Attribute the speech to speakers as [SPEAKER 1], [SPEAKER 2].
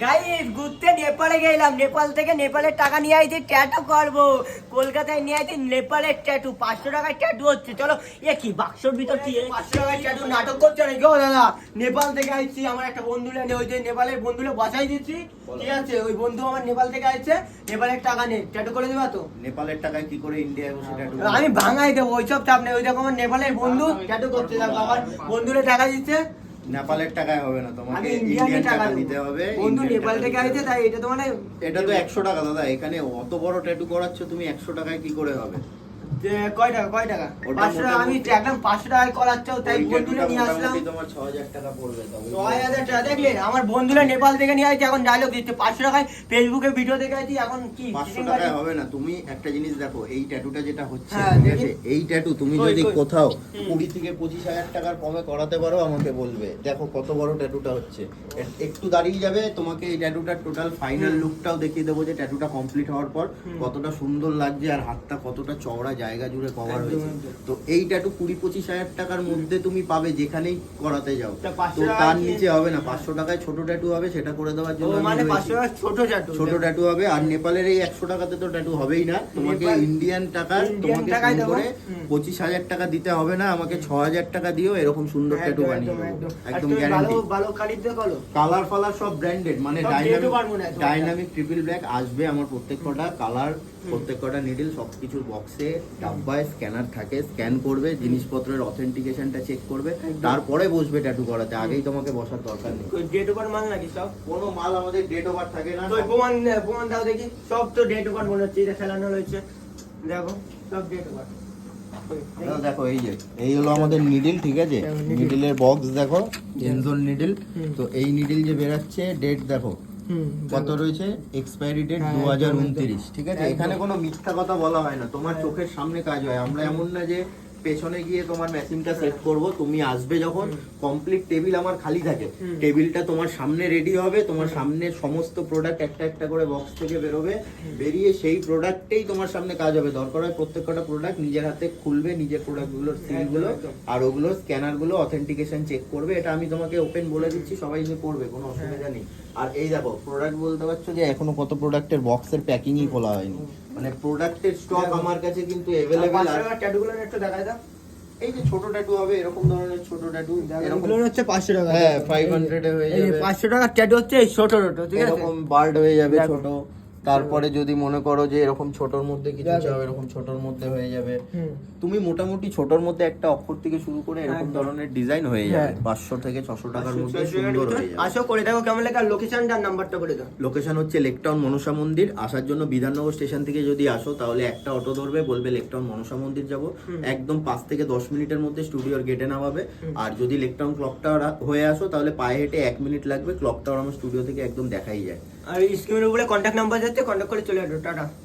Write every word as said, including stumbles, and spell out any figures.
[SPEAKER 1] Guys ঘুরতে নেপালে গেলাম, নেপাল থেকে নেপালের টাকা নিয়ে আইছি ট্যাটু করবো। কলকাতায় নিয়ে আইছি নেপালের ট্যাটু, পাঁচশো টাকায় ট্যাটু হচ্ছে। চলো এ কি বাক্সর ভিতর কি পাঁচশো টাকায় ট্যাটু নাটক করছে নাকি? ও দাদা নেপাল থেকে আইছি, আমার একটা বন্ধু লেনে ওই যে নেপালের বন্ধুলে বসাই দিচ্ছি, ঠিক আছে? ওই বন্ধু আমার নেপাল থেকে আইছে, নেপালের টাকা নেই, ট্যাটু করে দেবা তো?
[SPEAKER 2] নেপালের টাকায় কি করে ইন্ডিয়ায় বসে ট্যাটু?
[SPEAKER 1] আমি ভাঙাই দেবো, ওইসব চাপ নেই। ওই দেখো আমার নেপালের বন্ধু ট্যাটু করতে যাবো, আমার বন্ধুরে টাকা দিচ্ছে।
[SPEAKER 2] নেপালের টাকায় হবে না, তোমাকে
[SPEAKER 1] ইন্ডিয়ান
[SPEAKER 2] ইন্ডিয়ান
[SPEAKER 1] টাকা
[SPEAKER 2] টাকা দিতে হবে।
[SPEAKER 1] বন্ধু নেপাল থেকে আইছে, তাই এটা তো মানে
[SPEAKER 2] এটা তো একশো টাকা দাদা, এখানে অত বড় ট্যাটু করাচ্ছ তুমি, একশো টাকায় কি করে হবে?
[SPEAKER 1] যে কয় টাকা কয় টাকা
[SPEAKER 2] ওটা
[SPEAKER 1] পাঁচশো টাকা, আমি
[SPEAKER 2] মোটামুটি-
[SPEAKER 1] একদম পাঁচশো টাকায় করাচ্ছ, তাই
[SPEAKER 2] ওই
[SPEAKER 1] বন্ধুরে
[SPEAKER 2] ট্যাটুটা
[SPEAKER 1] নিয়ে আসলাম।
[SPEAKER 2] মোটামুটি তোমার ছ হাজার টাকা পড়বে। তবে
[SPEAKER 1] ছয় হাজার টাকা দেখলে আমার বন্ধুরা নেপাল থেকে নিয়ে আসছে, এখন ডায়লগ দিচ্ছে পাঁচশো টাকায়। ফেসবুকে ভিডিও দেখে আছি, এখন কি
[SPEAKER 2] পাঁচশো টাকায় হবে না। তুমি একটা জিনিস দেখো, এই ট্যাটুটা যেটা হচ্ছে,
[SPEAKER 1] হ্যাঁ,
[SPEAKER 2] ঠিক
[SPEAKER 1] দেখি।
[SPEAKER 2] আছে, এই ট্যাটু তুমি
[SPEAKER 1] কই,
[SPEAKER 2] যদি
[SPEAKER 1] কই?
[SPEAKER 2] কোথাও
[SPEAKER 1] হুম।
[SPEAKER 2] কুড়ি থেকে পঁচিশ হাজার টাকার কমে করাতে পারো আমাকে বলবে। দেখো কত বড় ট্যাটুটা হচ্ছে, এ- একটু দাঁড়িয়ে যাবে, তোমাকে এই ট্যাটুটার টোটাল ফাইনাল
[SPEAKER 1] হুম।
[SPEAKER 2] লুকটাও দেখিয়ে দেবো যে ট্যাটুটা কমপ্লিট হওয়ার পর
[SPEAKER 1] হুম।
[SPEAKER 2] কতটা সুন্দর লাগছে আর হাতটা কতটা চওড়া জায়গা জুড়ে কভার
[SPEAKER 1] একদম,
[SPEAKER 2] হয়েছে।
[SPEAKER 1] একদম।
[SPEAKER 2] তো এই ট্যাটু কুড়ি পঁচিশ হাজার টাকার মধ্যে তুমি পাবে যেখানেই করাতে যাও।
[SPEAKER 1] তা পাঁচশো
[SPEAKER 2] তো
[SPEAKER 1] টাকায়
[SPEAKER 2] তার
[SPEAKER 1] কি-
[SPEAKER 2] নিচে হবে না। পাঁচশো টাকায় ছোট ট্যাটু হবে, সেটা করে দেওয়ার
[SPEAKER 1] ও
[SPEAKER 2] জন্য আমি
[SPEAKER 1] মানে
[SPEAKER 2] রয়েছি।
[SPEAKER 1] পাঁচশো টাকা ছোট ট্যাটু,
[SPEAKER 2] ছোট ট্যাটু হবে। আর নেপালের এই একশো টাকাতে তো ট্যাটু হবেই না, তোমাকে
[SPEAKER 1] নেপাল-
[SPEAKER 2] ইন্ডিয়ান টাকা
[SPEAKER 1] ইন্ডিয়ান
[SPEAKER 2] তোমাকে
[SPEAKER 1] টাকায়
[SPEAKER 2] ফোন
[SPEAKER 1] দেবো।
[SPEAKER 2] করে
[SPEAKER 1] হুম।
[SPEAKER 2] পঁচিশ হাজার টাকা দিতে হবে না, আমাকে ছ হাজার টাকা দিও, এরকম সুন্দর ট্যাটু
[SPEAKER 1] একদম,
[SPEAKER 2] বানিয়ে
[SPEAKER 1] একদম,
[SPEAKER 2] দেবো।
[SPEAKER 1] একদম। আর
[SPEAKER 2] একদম
[SPEAKER 1] তুমি
[SPEAKER 2] গ্যারান্টি।
[SPEAKER 1] ভালো ভালো কালির দিয়ে করো।
[SPEAKER 2] কালার ফালার সব ব্র্যান্ডেড, মানে
[SPEAKER 1] সব
[SPEAKER 2] ডাইনামিক
[SPEAKER 1] যেহেতু পারবো না, তোমার
[SPEAKER 2] ডাইনামিক ট্রিপল ব্ল্যাক আসবে আমার প্রত্যেক কটা কালার, প্রত্যেক কটা নিডল, সবকিছুর বক্সে ডাব্বায় স্ক্যানার থাকে, স্ক্যান করবে, জিনিসপত্রের অথেন্টিকেশনটা চেক করবে, তারপরে বসবে ট্যাটু করাতে, আগেই তোমাকে বসার দরকার নেই।
[SPEAKER 1] ডেট ওভার মাল নাকি সব?
[SPEAKER 2] কোনো মাল আমাদের ডেট ওভার থাকে না।
[SPEAKER 1] তো ওই প্রমাণ প্রমাণ দাও দেখি, সব তো ডেট ওভার মনে হচ্ছে, এটা ফেলানো রয়েছে, দেখো সব ডেট ওভার।
[SPEAKER 2] দাদা দেখো, এই যে এই হলো আমাদের নিডল, ঠিক আছে?
[SPEAKER 1] needle।
[SPEAKER 2] নিডলের বক্স দেখো, এনজোন নিডল।
[SPEAKER 1] হুম।
[SPEAKER 2] তো এই নিডল যে বেরাচ্ছে, ডেট দেখো
[SPEAKER 1] হুম,
[SPEAKER 2] কত রয়েছে, এক্সপায়ারি ডেট
[SPEAKER 1] হ্যাঁ,
[SPEAKER 2] দু হাজার
[SPEAKER 1] একদম,
[SPEAKER 2] উনত্রিশ, ঠিক আছে?
[SPEAKER 1] একদম।
[SPEAKER 2] এখানে কোনো মিথ্যা কথা বলা হয় না, তোমার
[SPEAKER 1] হ্যাঁ।
[SPEAKER 2] চোখের সামনে কাজ হয়। আমরা এমন না যে পেছনে গিয়ে তোমার মেশিনটা সেট করব, তুমি আসবে যখন কমপ্লিট টেবিল আমার খালি থাকে,
[SPEAKER 1] হুম।
[SPEAKER 2] টেবিলটা তোমার সামনে রেডি হবে, তোমার সামনে সমস্ত প্রোডাক্ট একটা একটা করে বক্স থেকে বেরোবে, বেরিয়ে সেই প্রোডাক্টেই তোমার সামনে কাজ হবে। দরকার হয় প্রত্যেক কটা প্রোডাক্ট নিজের হাতে খুলবে, নিজের প্রোডাক্টগুলোর সিলগুলো
[SPEAKER 1] একদম।
[SPEAKER 2] আর ওগুলো স্ক্যানারগুলো অথেন্টিকেশন চেক করবে। এটা আমি তোমাকে ওপেন বলে দিচ্ছি, সবাই যে করবে, কোনো অসুবিধা নেই। আর এই দেখো প্রোডাক্ট বলতে পারছো যে এখনো কত প্রোডাক্টের বক্সের প্যাকিংই খোলা হয়নি, মানে প্রোডাক্টের স্টক আমার কাছে কিন্তু অ্যাভেলেবেল।
[SPEAKER 1] পাঁচশো টাকার ট্যাটুগুলো একটু দেখাই দাও।
[SPEAKER 2] এই যে ছোট ট্যাটু হবে, এরকম ধরনের ছোট ট্যাটু, এরকম
[SPEAKER 1] এগুলো হচ্ছে পাঁচশো টাকা।
[SPEAKER 2] হ্যাঁ ফাইভ হান্ড্রেড এ হয়ে
[SPEAKER 1] এই যে
[SPEAKER 2] যাবে।
[SPEAKER 1] পাঁচশো টাকার ট্যাটু হচ্ছে এই ছোট ছোট, ঠিক আছে?
[SPEAKER 2] এরকম বার্ড হয়ে যাবে
[SPEAKER 1] দেখো।
[SPEAKER 2] ছোট। তারপরে যদি মনে করো যে এরকম ছোটর মধ্যে কিছু
[SPEAKER 1] দেখো।
[SPEAKER 2] চাও, এরকম ছোটর মধ্যে হয়ে যাবে।
[SPEAKER 1] হুম।
[SPEAKER 2] তুমি মোটামুটি ছোটর মধ্যে একটা অক্ষর থেকে শুরু করে এরকম
[SPEAKER 1] একদম।
[SPEAKER 2] ধরনের ডিজাইন হয়ে যাবে,
[SPEAKER 1] হ্যাঁ।
[SPEAKER 2] পাঁচশো থেকে ছশো টাকার মধ্যে সুন্দর হয়ে যাবে।
[SPEAKER 1] আসো করে দেখো কেমন লাগে, আর লোকেশনটার নাম্বারটা করে দাও।
[SPEAKER 2] লোকেশন হচ্ছে লেকটাউন মনসা মন্দির। আসার জন্য বিধাননগর স্টেশন থেকে যদি আসো তাহলে একটা অটো ধরবে, বলবে লেকটাউন মনসা মন্দির যাব, একদম পাঁচ থেকে দশ মিনিটের মধ্যে স্টুডিওর গেটে নামাবে। আর যদি লেকটাউন ক্লক টাওয়ার হয়ে আসো তাহলে পায়ে হেঁটে এক মিনিট লাগবে, ক্লক টাওয়ার আমার স্টুডিও থেকে একদম দেখাই যায়।
[SPEAKER 1] আর স্ক্রিনের উপরে কন্ট্যাক্ট নাম্বার যাচ্ছে, কন্ট্যাক্ট করে চলে আসো। টাটা।